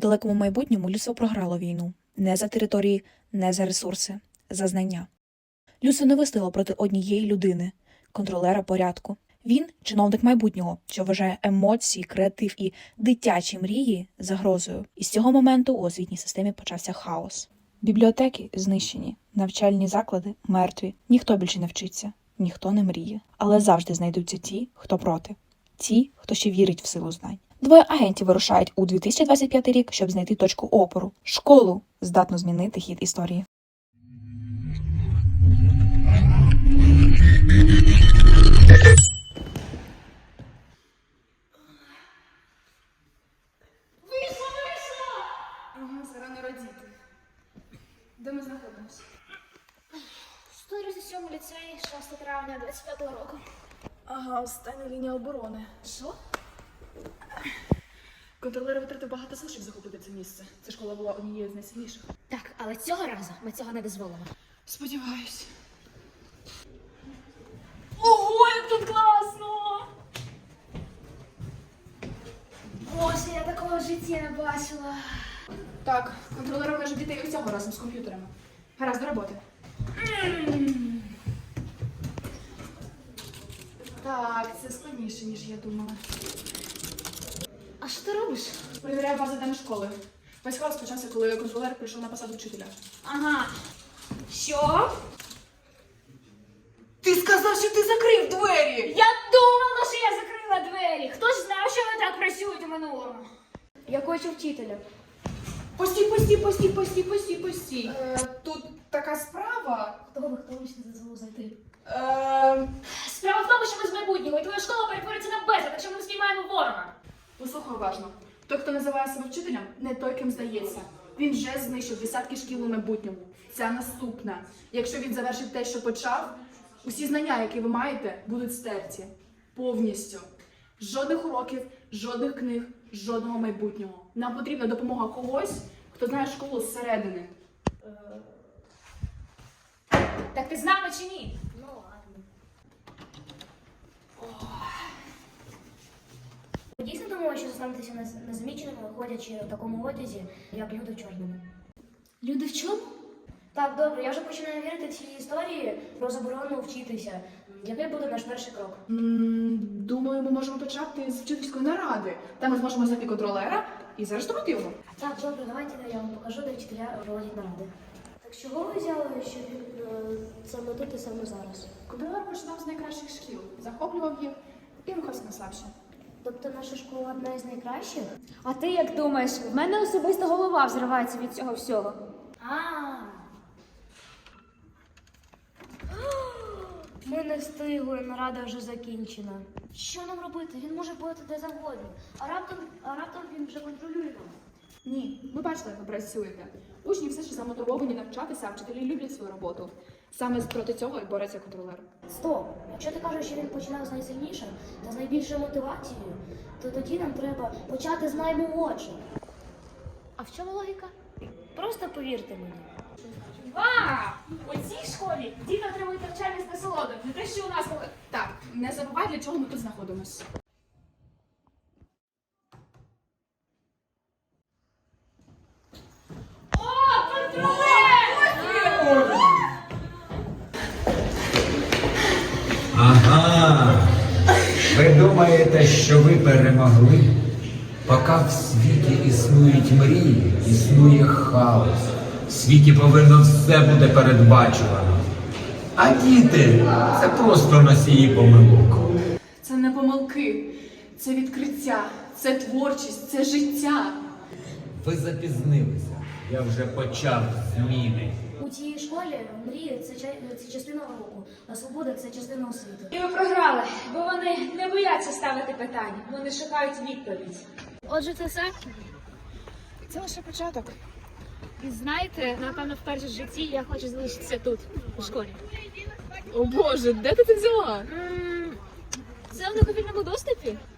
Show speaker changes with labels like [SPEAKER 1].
[SPEAKER 1] далекому майбутньому людство програло війну. Не за території, не за ресурси, за знання. Людство не вистояло проти однієї людини – контролера порядку. Він – чиновник майбутнього, що вважає емоції, креатив і дитячі мрії загрозою. І з цього моменту у освітній системі почався хаос. Бібліотеки знищені, навчальні заклади мертві. Ніхто більше не вчиться, ніхто не мріє. Але завжди знайдуться ті, хто проти. Ті, хто ще вірить в силу знань. Двоє агентів вирушають у 2025 рік, щоб знайти точку опору – школу, здатну змінити хід історії.
[SPEAKER 2] Вийшла! Ага, це рано родити. Де ми знаходимося?
[SPEAKER 3] 137 ліцей, 6 травня 25-го року.
[SPEAKER 2] Ага, остання лінія оборони.
[SPEAKER 3] Що?
[SPEAKER 2] Контролери витратив багато сил, щоб захопити це місце. Ця школа була однією з найсильніших.
[SPEAKER 3] Так, але цього разу ми цього не дозволимо.
[SPEAKER 2] Сподіваюсь. Ого, як тут класно!
[SPEAKER 3] Боже, я такого в житті не бачила.
[SPEAKER 2] Так, контролери обмежують дітей усього разом з комп'ютерами. Гаразд, до роботи. Так, це складніше, ніж я думала.
[SPEAKER 3] А що ти робиш?
[SPEAKER 2] Перевіряю базу даних школи. Весь хаос почався, коли контролер прийшов на посаду вчителя.
[SPEAKER 3] Ага. Що?
[SPEAKER 2] Ти сказав, що ти закрив двері!
[SPEAKER 3] Я думала, що я закрила двері. Хто ж знав, що вони так працюють у минулому? Я хочу вчителя.
[SPEAKER 2] Постій. Тут така справа.
[SPEAKER 3] Хто ще не дозволив зайти?
[SPEAKER 2] Справа
[SPEAKER 3] в тому, що ми з майбутнього, і твоя школа перетвориться на безлад, якщо ми не спіймаємо ворога.
[SPEAKER 2] Послухай уважно. Той, хто називає себе вчителем, не той, ким здається. Він вже знищив десятки шкіл у майбутньому. Ця наступна. Якщо він завершить те, що почав, усі знання, які ви маєте, будуть стерті. Повністю. Жодних уроків, жодних книг, жодного майбутнього. Нам потрібна допомога когось, хто знає школу зсередини.
[SPEAKER 3] Так ти з нами чи ні? Ну ладно. Ви дійсно думали, що зостанетеся незаміченими, ходячи в такому одязі, як люди в чорному? Люди в чому? Так, добре, я вже починаю вірити в ці історії про заборону вчитися. Який буде наш перший крок?
[SPEAKER 2] Думаю, ми можемо почати з вчительської наради. Там ми зможемо знайти контролера і заарештувати його.
[SPEAKER 3] Так, добре, давайте я вам покажу, де вчителя проводять наради. Так чого ви взяли, що він саме тут і саме зараз?
[SPEAKER 2] Контролер починав з найкращих шкіл, захоплював їх і рухався на слабші.
[SPEAKER 3] Тобто наша школа одна із найкращих?
[SPEAKER 4] А ти як думаєш? В мене особисто голова взривається від цього всього.
[SPEAKER 3] Ми не встигли, нарада вже закінчена. Що нам робити? Він може бути де завгодно. А раптом він вже контролює нас.
[SPEAKER 2] Ні, ми бачили, як ви працюєте. Учні все ще замотивовані навчатися, а вчителі люблять свою роботу. Саме проти цього і бореться контролер.
[SPEAKER 3] Стоп! Якщо ти кажеш, що він починав з найсильнішим та з найбільшою мотивацією, то тоді нам треба почати з наймолодших.
[SPEAKER 4] А в чому логіка?
[SPEAKER 3] Просто повірте мені.
[SPEAKER 4] У цій школі діти отримують навчання з насолодою. Не те, що у нас коли...
[SPEAKER 2] Так, не забувай, для чого ми тут знаходимося.
[SPEAKER 5] Ага, ви думаєте, що ви перемогли? Поки в світі існують мрії, існує хаос. В світі повинно все бути передбачувано. А діти – це просто носії помилок.
[SPEAKER 2] Це не помилки, це відкриття, це творчість, це життя.
[SPEAKER 5] Ви запізнилися. Я вже почав зміни.
[SPEAKER 3] У цій школі мрії це частина уроку, а свобода це частина освіти.
[SPEAKER 4] І ви програли, бо вони не бояться ставити питання. Вони шукають відповідь.
[SPEAKER 3] Отже, це все?
[SPEAKER 2] Це лише початок.
[SPEAKER 4] І знаєте, напевно, вперше в житті я хочу залишитися тут, у школі.
[SPEAKER 2] О Боже, де ти це взяла?
[SPEAKER 4] Це в неповільному доступі.